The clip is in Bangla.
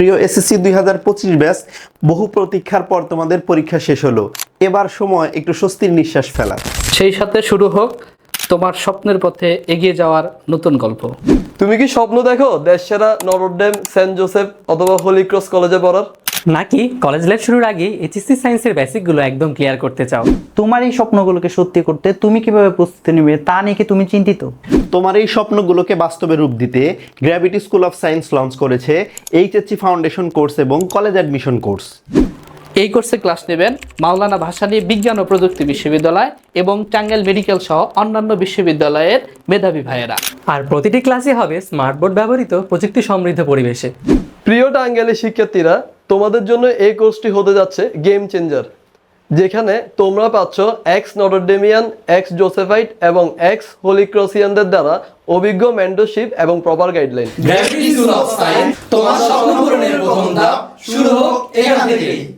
প্রিয় এসএসসি 2025 ব্যাচ, বহু প্রতীক্ষার পর তোমাদের পরীক্ষা শেষ হলো। এবার সময় একটু স্বস্তির নিঃশ্বাস ফেলার। সেই সাথে শুরু হোক তোমার স্বপ্নের পথে এগিয়ে যাওয়ার নতুন গল্প। তুমি কি স্বপ্ন দেখো দেশসেরা নটরডেম, সেন্ট জোসেফ অথবা হোলি ক্রস কলেজে পড়ার? নাকি কলেজ লাইফ শুরুর আগে এইচএসসি সায়েন্সের বেসিকগুলো একদম ক্লিয়ার করতে চাও? তোমার এই স্বপ্নগুলোকে সত্যি করতে তুমি কিভাবে প্রস্তুতি নেবে তা নিয়ে কি তুমি চিন্তিত? তোমার এই স্বপ্নগুলোকে বাস্তবে রূপ দিতে Gravity School of Science launch করেছে এইচএসসি ফাউন্ডেশন কোর্স এবং কলেজ অ্যাডমিশন কোর্স। এই কোর্সে ক্লাস নেবেন মাওলানা ভাসানী বিজ্ঞান ও প্রযুক্তি বিশ্ববিদ্যালয় এবং টাঙ্গাইল মেডিকেল সহ অন্যান্য বিশ্ববিদ্যালয়ের মেধাবী ভাইয়েরা। আর প্রতিটি ক্লাসই হবে স্মার্ট বোর্ড ব্যবহৃত প্রযুক্তি সমৃদ্ধ পরিবেশে। প্রিয় টাঙ্গাইলের শিক্ষার্থীরা, তোমাদের জন্য এই কোর্সটি হতে যাচ্ছে গেম চেঞ্জার, যেখানে তোমরা পাচ্ছ এক্স নটরডেমিয়ান, এক্স জোসেফাইট এবং এক্স হোলি ক্রসিয়ানদের দ্বারা অভিজ্ঞ মেন্টরশিপ এবং proper guideline. Gravity School of Science, তোমার স্বপ্ন পূরণের প্রথম ধাপ শুরু হোক এখান থেকেই।